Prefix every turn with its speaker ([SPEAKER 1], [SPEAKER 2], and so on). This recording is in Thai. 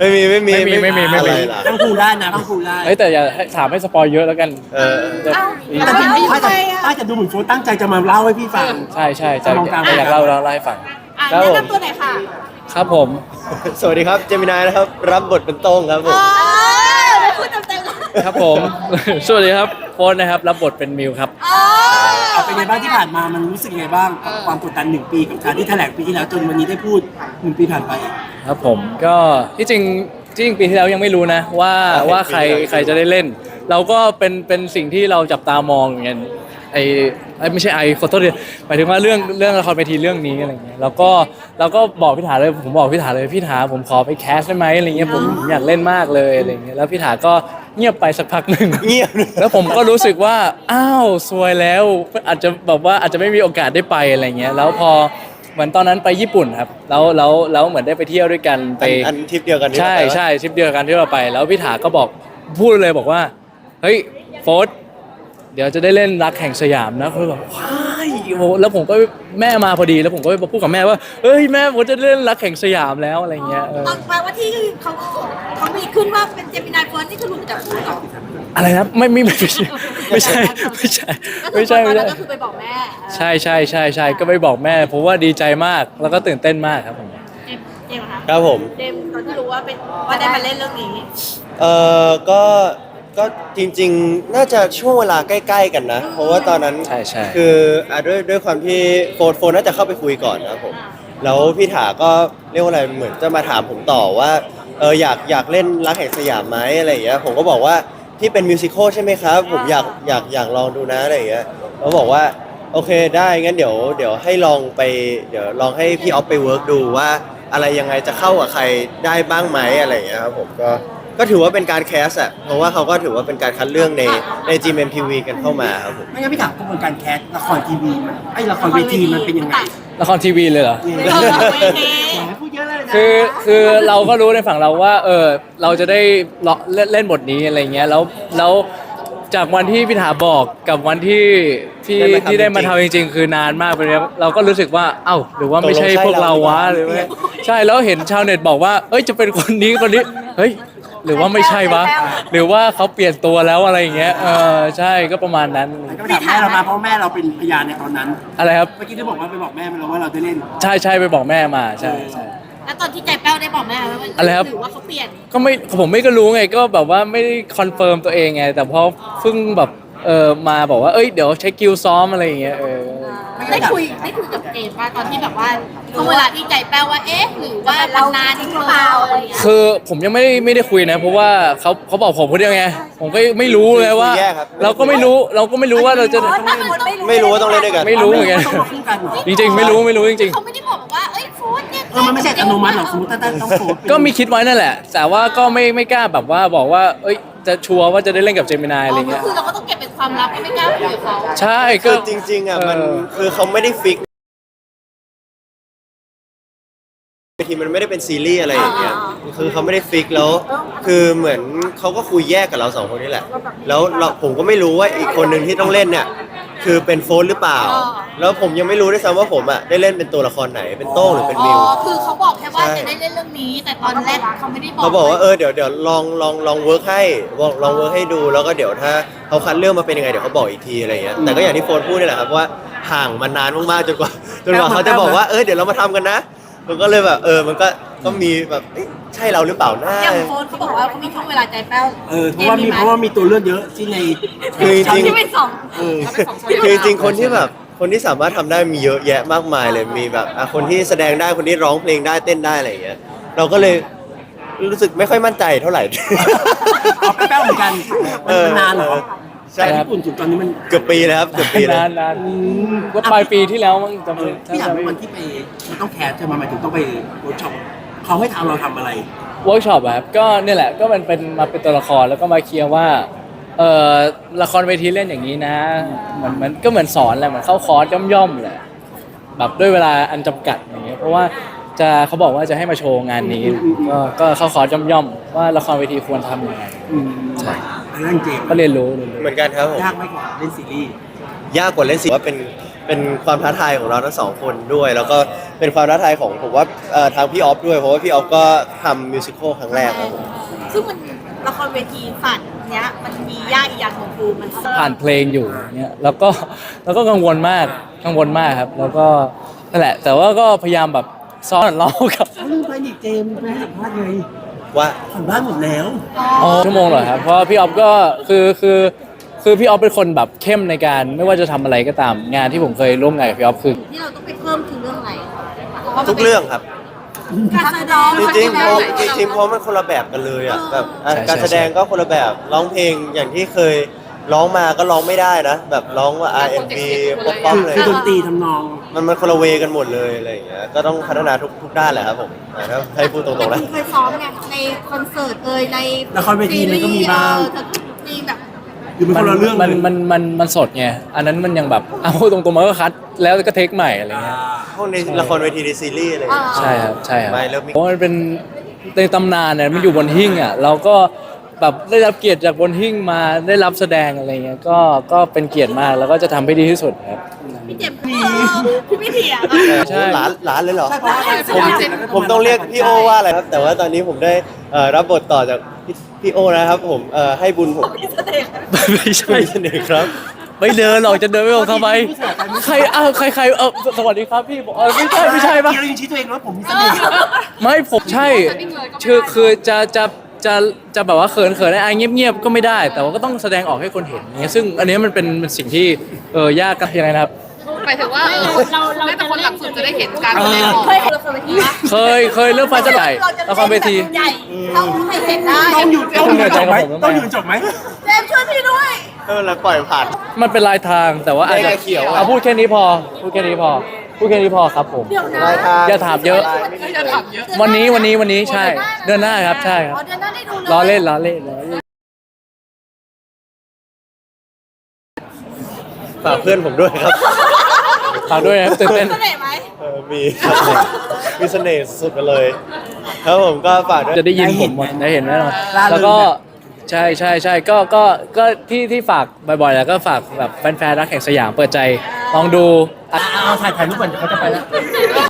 [SPEAKER 1] อะไรล่ะ
[SPEAKER 2] ทั้งครูได้นะทั้งครูได้
[SPEAKER 3] เฮ้ยแต่อย่าถามให้สปอยเยอะแล้วกันจะ
[SPEAKER 2] แต่จริงๆถ้าจะดูเหมือนโฟนตั้งใจจะมาเล่าให้พี่ฟัง
[SPEAKER 3] ใช่
[SPEAKER 2] มองกลาง
[SPEAKER 3] อยากเล่าให้ฟัง
[SPEAKER 4] แนะนำตัวหน่อยค่ะ
[SPEAKER 3] ครับผม
[SPEAKER 1] สวัสดีครับเจมินายนะครับรับบทเป็นโต้งครับผม
[SPEAKER 4] ไม่พูดเต็มๆเลย
[SPEAKER 3] ครับผม สวัสดีครับโฟนนะครับรับบทเป็นมิวครับ
[SPEAKER 2] เอาเป็นไงบ้างที่ผ่านมามันรู้สึกยังไงบ้างกับความกดดัน1 ปีกับการที่แถลงปีที่แล้วจนวันนี้ได้พูด1 ปีผ่านไป
[SPEAKER 3] ครับผมก็ที่จริงปีที่แล้วยังไม่รู้นะว่าใครจะได้เล่น เราก็เป็นสิ่งที่เราจับตามองอย่างเงี้ยไม่ใช่ขอโทษดิหมายถึงว่าเรื่องละครเวทีเรื่องนี้อะไรเงี้ยเราก็บอกพี่ถาเลยผมบอกพี่ถาเลยพี่ถาผมขอไปแคสได้ไหมอะไรเงี้ยผมอยากเล่นมากเลยอะไรเงี้ยแล้วพี่ถาก็เงียบไปสักพักหนึ่ง
[SPEAKER 1] เงียบ
[SPEAKER 3] แล้วผมก็รู้สึกว่าอ้าวซวยแล้วอาจจะไม่มีโอกาสได้ไปอะไรเงี้ยแล้วพอเหมือนตอนนั้นไปญี่ปุ่นครับแล้วเหมือนได้ไปเที่ยวด้วยกันไป
[SPEAKER 1] อันทริปเดียวกัน
[SPEAKER 3] ใช่ทริปเดียวกันที่เราไปแล้วพี่ถาก็พูดเลยบอกว่าเฮ้ยโฟร์ธเดี๋ยวจะได้เล่นรักแห่งสยามนะเขาบอกว้ายโหแล้วผมก็แม่มาพอดีแล้วผมก็ไปพูดกับแม่ว่าเฮ้ยแม่ผมจะเล่นรักแห่งสยามแล้วอะไรเงี้ย
[SPEAKER 4] ตอนแปลว่าที่เขามีขึ้นว่าเป็นเจมินายเฟิร์สนี่คือหลุดจากพูดก่อน
[SPEAKER 3] อะไรนะไม่ใช่
[SPEAKER 4] ก็คือไปบอกแม่
[SPEAKER 3] ใช่ก็ไปบอกแม่เพราะว่าดีใจมากแล้วก็ตื่นเต้นมากครับผม
[SPEAKER 4] เจมส์คะ
[SPEAKER 1] ครับผม
[SPEAKER 4] เจมส์ตอนที่รู้ว่าได้มาเล่นเรื่องนี้
[SPEAKER 1] ก็จริงๆน่าจะช่วงเวลาใกล้ๆกันนะเพราะว่าตอนนั้น
[SPEAKER 3] ใช่
[SPEAKER 1] คือด้วยความที่โฟนน่าจะเข้าไปคุยก่อนนะครับผมแล้วพี่ถาก็เรียกว่าอะไรเหมือนจะมาถามผมต่อว่าอยากเล่นรักแห่งสยามไหมอะไรอย่างเงี้ยผมก็บอกว่าที่เป็นมิวสิควลใช่ไหมครับผมอยากลองดูนะอะไรอย่างเงี้ยเขาบอกว่าโอเคได้งั้นเดี๋ยวให้ลองไปเดี๋ยวลองให้พี่ออฟไปเวิร์กดูว่าอะไรยังไงจะเข้ากับใครได้บ้างไหมอะไรอย่างเงี้ยครับผมก็ถือว่าเป็นการแคสอะเพราะว่าเขาก็ถือว่าเป็นการคัดเลือกใน GMMTV กันเข้ามาครับผม
[SPEAKER 2] ไม่งั้นพี่ถามกระบวนการแคสละครทีวีมันละครเวทีมันเป็นยังไง
[SPEAKER 3] ละครทีวีเลยเหรอ
[SPEAKER 2] พูดเยอะเลยนะ
[SPEAKER 3] คือเราก็รู้ในฝั่งเราว่าเราจะได้เล่นบทนี้อะไรเงี้ยแล้วจากวันที่พี่ถาบอกกับวันที่ได้มาทำจริงๆ คือนานมากไปแล้วเราก็รู้สึกว่าเอ้าหรือว่าไม่ใช่พวกเราวะหรือว่าใช่แล้วเห็นชาวเน็ตบอกว่าเอ้ยจะเป็นคนนี้เฮ้ยหรือว่าไม่ใช่วะหรือว่าเขาเปลี่ยนตัวแล้วอะไรอย่างเงี้ยใช่ก็ประมาณนั้น
[SPEAKER 2] ก็ถามแม่เรามาเพราะแม่เราเป็นพยานในตอนนั้น
[SPEAKER 3] อะไรครับ
[SPEAKER 2] เมื่อกี้ที่บอกว่าไปบอกแม่เราว่าเราได้เล่น
[SPEAKER 3] ใช่ไปบอกแม่มาใช่
[SPEAKER 4] แล้วตอนที่ใจแป้วได้บอกแม่ว่า
[SPEAKER 3] อะไรครับ
[SPEAKER 4] หรือว่าเขาเปลี่ยน
[SPEAKER 3] ก็ผมไม่ก็รู้ไงก็แบบว่าไม่ได้คอนเฟิร์มตัวเองไงแต่พอเพิ่งแบบมาบอกว่าเอ้ยเดี๋ยวเช็คคิวซ้อมอะไรอย่างเงี้ย
[SPEAKER 4] ได้คุยกับเจมส์ว่าตอนที่แบบว่าช่วงเวลาที่ใจแป้วว่าเอ๊ะหรือว่าเรานานจริงหรือเปล่าอะไรอย่างเงี้ย
[SPEAKER 3] คือผมยังไม่ได้คุยนะเพราะว่าเขาบอกผมคนเดียวไงผมก็ไม่รู้เลยว่าเราก็ไม่รู้ว่าเราจะ
[SPEAKER 1] ไม่รู้ว่าต้องเล่นด้วยกัน
[SPEAKER 3] ไม่รู้เหมือนกันจริงๆไม่รู้จริง
[SPEAKER 4] เขาไม่ได้บอกว่าเอ้ยโฟนเนี่ย
[SPEAKER 2] มันไม่ใช่อนุมัติหรอกสมมติถ้าต้องโฟน
[SPEAKER 3] ก็มีคิดไว้นั่นแหละแต่ว่าก็ไม่กล้าแบบว่าบอกว่าเอ้ยจะชัวร์ว่าจะได้เล่นกับเจมินายอะไรเงี้ย
[SPEAKER 4] คือเราก็ต้องเก็บเป็นความลับไม่กล้าคุยกับเขา
[SPEAKER 3] ใช่
[SPEAKER 1] ก็จริงๆอ่ะมันคือเขาไม่ได้ฟิกทีมันไม่ได้เป็นซีรีส์อะไรอย่างเงี้ยคือเขาไม่ได้ฟิกแล้วคือเหมือนเขาก็คุยแยกกับเราสองคนนี่แหละแล้วผมก็ไม่รู้ว่าอีกคนหนึ่งที่ต้องเล่นเนี่ยคือเป็นโฟนหรือเปล่าแล้วผมยังไม่รู้ด้วยซ้ำว่าผมอ่ะได้เล่นเป็นตัวละครไหนเป็นโต้งหรือเป็นมิว
[SPEAKER 4] คือเขาบอกแค่ว่าจะได้เล่นเรื่องนี้แต่ตอนแรกเขาไม่ได้บอก
[SPEAKER 1] เขาบอกว่าเดี๋ยวลองเวิร์กให้ลองเวิร์กให้ดูแล้วก็เดี๋ยวถ้าเขาคัดเลือกมาเป็นยังไงเดี๋ยวเขาบอกอีกทีอะไรเงี้ยแต่ก็อย่างที่โฟนพูดนี่แหละครับว่าห่างมานานมากๆจนกว่าเขาจะบอกว่าเดี๋ยวเรามาทำกันนะมันก็เลยแบบมันก็มีแบบใช่เราหรือเปล่านะ
[SPEAKER 4] อย่างโฟนเขาบอกว่าเขามีช่วงเวลาใจแป้ว
[SPEAKER 2] เพราะว่ามีตัวเลือกเยอะที่ใน
[SPEAKER 1] คือจริง
[SPEAKER 4] ที่เป็นสอง
[SPEAKER 1] คือจริงคนที่สามารถทำได้มีเยอะแยะมากมายเลยมีแบบคนที่แสดงได้คนที่ร้องเพลงได้เต้นได้อะไรอย่างเงี้ยเราก็เลยรู้สึกไม่ค่อยมั่นใจเท่าไหร่
[SPEAKER 2] เอาแป้วเหมือนกันมันนานเหรอ
[SPEAKER 1] ใช่
[SPEAKER 2] ญี่ปุ่นจุดตอนนี้มัน
[SPEAKER 1] เกือบปีแล้วครับเกือบปีแล้ว
[SPEAKER 3] นานก็ปลายปีที่แล้วมั้งจำไม่
[SPEAKER 2] พี่ถามว่าวันที่ไปมันต้องแคสจะมาหมายถึงต้องไปเวิร์กช็อปเขาให้เราทำอะไร
[SPEAKER 3] เวิร์กช็อปแบบก็เนี่ยแหละก็มันเป็นมาเป็นตัวละครแล้วก็มาเคลียร์ว่าละครเวทีเล่นอย่างนี้นะมันก็เหมือนสอนแหละเหมือนเข้าคอร์สย่อมๆแหละแบบด้วยเวลาอันจำกัดอย่างเงี้ยเพราะว่าเขาบอกว่าจะให้มาโชว์งานนี้ก็เข้าคอร์สย่อมๆว่าละครเวทีควรทำยังไงใช่
[SPEAKER 2] เรื่องเกม
[SPEAKER 3] ก็เรียนรู้
[SPEAKER 1] เหมือนกันครับผม
[SPEAKER 2] ยากไหมกว่าเล่นซีรีส์
[SPEAKER 1] ยากกว่าเล่นซีรีส์ว่าเป็นความท้าทายของเราทั้งสองคนด้วยแล้วก็เป็นความท้าทายของผมว่าทางพี่ออฟด้วยเพราะว่าพี่ออฟก็ทำมิวสิควลครั้งแรกครับผม
[SPEAKER 4] ซึ่งมันละครเวทีฝันเนี้ยมันมียากอีกอย่างของคือมัน
[SPEAKER 3] ผ่านเพลงอยู่เนี่ยแล้วก็กังวลมากครับ แล้วก็นั่นแหละ แต่ว่าก็พยายามแบบซ้อนร้องกับ
[SPEAKER 2] เขาลืมไปนี่เจมส์ไปให้สัมภาษณ์ไง
[SPEAKER 1] ว่า
[SPEAKER 2] สัมภาษณ์หมดแล้ว
[SPEAKER 3] ชั่วโมงเหรอครับเพราะพี่ออฟก็คือพี่ออฟเป็นคนแบบเข้มในการไม่ว่าจะทำอะไรก็ตามงานที่ผมเคยร่วมงานกับพี่ออฟคือ
[SPEAKER 4] ที่เราต้องไปเพิ่มคือเรื่องอะไร
[SPEAKER 1] ทุกเรื่องครับ
[SPEAKER 4] การแสดง
[SPEAKER 1] จริงๆเพราะเพราะมันคนละแบบกันเลยอ่ะแบบการแสดงก็คนละแบบร้องเพลงอย่างที่เคยร้องมาก็ร้องไม่ได้นะ แบบร้องว่า R&B ป๊อปๆเลย
[SPEAKER 2] คือดนตรีทำนอง
[SPEAKER 1] มันคนละเวกันหมดเลยอะไรอย่างเงี้ยก็ต้องพัฒนาทุกด้านแหละครับผมถ้าให้พูดตรงๆ
[SPEAKER 4] แต่
[SPEAKER 1] นะ
[SPEAKER 4] คุณเคยซ้อมไงในคอนเสิร์ตใน
[SPEAKER 2] ละครเวทีมันก็มีบ้าง
[SPEAKER 4] มีแบบ
[SPEAKER 2] หรือเป็นคนละเรื่อง
[SPEAKER 3] มัน
[SPEAKER 2] เลย
[SPEAKER 3] มันสดไงอันนั้นมันยังแบบเอาตรงๆมันก็คัดแล้วก็เทคใหม่อะไรเงี้ย
[SPEAKER 1] พวกในละครเวทีในซีรีส์อะไรอย่างเงี้ย
[SPEAKER 3] ใช่ครับใช่ครับ
[SPEAKER 1] ไม่เริ่ม
[SPEAKER 3] เพราะมันเป็นในตำนานเนี่ยมันอยู่บนหิ้งอ่ะเราก็แบบได้รับเกียรติจากบนหิ้งมาได้รับแสดงอะไรเงี้ยก็เป็นเกียรติมากแล้วก็จะทำให้ดีที่สุดครับ
[SPEAKER 4] พี่เจ็บพี่ไม่เถียง
[SPEAKER 3] ใช่
[SPEAKER 1] หลานเลยเหรอ
[SPEAKER 2] ใช่เพราะว่าการแสด
[SPEAKER 1] ผม
[SPEAKER 2] งเสร็จแล้วก็
[SPEAKER 1] ผมต้องเรียกพี่โอว่าอะไรครับ แต่ว่าตอนนี้ผมได้รับบทต่อจากพี่โอนะครับผมให้บุญผม
[SPEAKER 3] ไม่ใช่
[SPEAKER 1] ไม่เสนอครับ
[SPEAKER 3] ไม่เดินหรอกจะเดินไม่ออกทำไมใครใครสวัสดีครับพี่บอกไม่ใช่ปะ
[SPEAKER 2] เรายังชี้ตัวเองว่าผมมีเสน่ห์
[SPEAKER 3] ไม่ผมใช่คือจะแบบว่าเขินไอ้เงียบๆก็ไม่ได้ แต่ว่าก็ต้องแสดงออกให้คนเห็นอย่างเงี้ยซึ่งอันเนี้ยมันเป็นสิ่งที่ยากกันยังไงนะครับ
[SPEAKER 5] หมายถึงว่าเราเป็นคนหลักสุดจะได้เห็นการแสดงออก
[SPEAKER 4] เคยเห็นละครเวทีปะ
[SPEAKER 3] เคยเรื่องฟ้าจะไหลละครเวที
[SPEAKER 4] ใหญ่ต้องให้เห็นได้
[SPEAKER 2] ต้องอยู่จบไหมต้องอยู่จบไหม
[SPEAKER 4] เจมส์ช่วยพี่ด้วย
[SPEAKER 1] ไม่เป็นไรปล่อยผ่าน
[SPEAKER 3] มันเป็นลายทางแต่ว่าอาจจะ
[SPEAKER 1] แดงกับเขียวอะ
[SPEAKER 3] เอาพูดแค่นี้พอครับผม
[SPEAKER 4] เดี๋ยวนะ
[SPEAKER 1] ลายทาง
[SPEAKER 3] อย่าถามเยอะ
[SPEAKER 5] จะถามเยอะ
[SPEAKER 3] วันนี้ใช่เดือนหน้าครับใช่ครับ
[SPEAKER 4] อ๋อเดือนหน้าได้ดูเลย
[SPEAKER 3] ล้อเล่น
[SPEAKER 1] ฝากเพื่อนผมด้วยครับ
[SPEAKER 3] ฝากด้วยนะครับตื่นเต้น
[SPEAKER 4] เสน่ห์ไหม
[SPEAKER 1] มีครับมีเสน่ห์สุดๆไปเลย ครับผมก็ฝากด้วย
[SPEAKER 3] จะได้ยินผมหมดได้เห็นแน่นอนแล้วก็ใช่ก็ที่ฝากบ่อยๆแล้วก็ฝากแบบแฟนๆรักแห่งสยามเปิดใจลองดู
[SPEAKER 2] เอาถ่ายรูปก่อนเขาจะไปแล้ว